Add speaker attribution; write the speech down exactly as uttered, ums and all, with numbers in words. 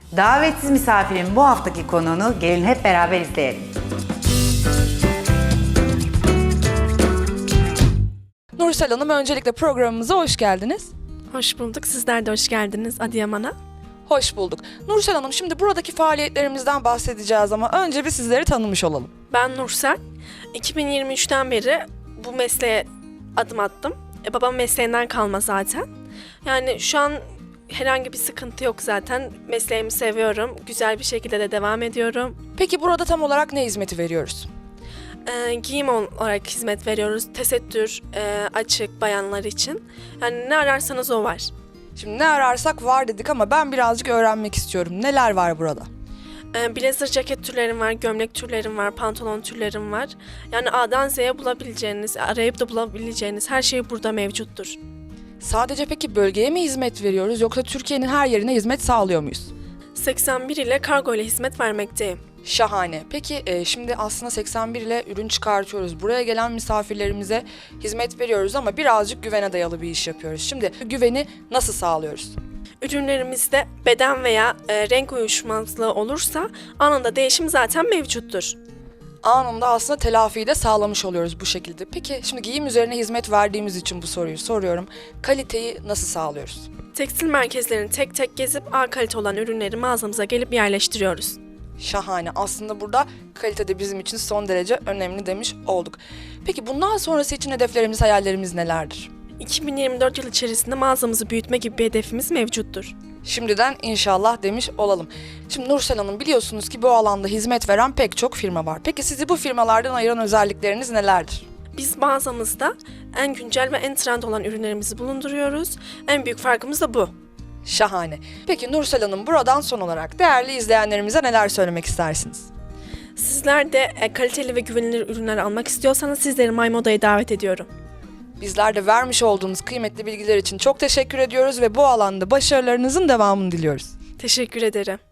Speaker 1: Davetsiz misafirin bu haftaki konuğunu gelin hep beraber izleyelim.
Speaker 2: Nursel Hanım, öncelikle programımıza hoş geldiniz.
Speaker 3: Hoş bulduk. Sizler de hoş geldiniz Adıyaman'a.
Speaker 2: Hoş bulduk. Nursel Hanım, şimdi buradaki faaliyetlerimizden bahsedeceğiz ama önce bir sizleri tanımış olalım.
Speaker 3: Ben Nursel. iki bin yirmi üçten beri bu mesleğe adım attım. E, babam mesleğinden kalma zaten. Yani şu an herhangi bir sıkıntı yok zaten. Mesleğimi seviyorum. Güzel bir şekilde de devam ediyorum.
Speaker 2: Peki burada tam olarak ne hizmeti veriyoruz?
Speaker 3: E, giyim olarak hizmet veriyoruz. Tesettür, e, açık bayanlar için. Yani ne ararsanız o var.
Speaker 2: Şimdi ne ararsak var dedik ama ben birazcık öğrenmek istiyorum. Neler var burada?
Speaker 3: E, blazer ceket türlerim var, gömlek türlerim var, pantolon türlerim var. Yani A'dan Z'ye bulabileceğiniz, arayıp da bulabileceğiniz her şey burada mevcuttur.
Speaker 2: Sadece peki bölgeye mi hizmet veriyoruz yoksa Türkiye'nin her yerine hizmet sağlıyor muyuz?
Speaker 3: seksen bir ile kargo ile hizmet vermekteyim.
Speaker 2: Şahane. Peki e, şimdi aslında seksen bir ile ürün çıkartıyoruz. Buraya gelen misafirlerimize hizmet veriyoruz ama birazcık güvene dayalı bir iş yapıyoruz. Şimdi güveni nasıl sağlıyoruz?
Speaker 3: Ürünlerimizde beden veya e, renk uyuşmazlığı olursa anında değişim zaten mevcuttur.
Speaker 2: Anında aslında telafiyi de sağlamış oluyoruz bu şekilde. Peki şimdi giyim üzerine hizmet verdiğimiz için bu soruyu soruyorum. Kaliteyi nasıl sağlıyoruz?
Speaker 3: Tekstil merkezlerini tek tek gezip A kalite olan ürünleri mağazamıza gelip yerleştiriyoruz.
Speaker 2: Şahane. Aslında burada kalite de bizim için son derece önemli demiş olduk. Peki bundan sonrası için hedeflerimiz, hayallerimiz nelerdir?
Speaker 3: iki bin yirmi dört yıl içerisinde mağazamızı büyütme gibi bir hedefimiz mevcuttur.
Speaker 2: Şimdiden inşallah demiş olalım. Şimdi Nursel Hanım, biliyorsunuz ki bu alanda hizmet veren pek çok firma var. Peki sizi bu firmalardan ayıran özellikleriniz nelerdir?
Speaker 3: Biz mağazamızda en güncel ve en trend olan ürünlerimizi bulunduruyoruz. En büyük farkımız da bu.
Speaker 2: Şahane. Peki Nursel Hanım, buradan son olarak değerli izleyenlerimize neler söylemek istersiniz?
Speaker 3: Sizler de e, kaliteli ve güvenilir ürünler almak istiyorsanız sizleri My Moda'ya davet ediyorum.
Speaker 2: Bizler de vermiş olduğunuz kıymetli bilgiler için çok teşekkür ediyoruz ve bu alanda başarılarınızın devamını diliyoruz.
Speaker 3: Teşekkür ederim.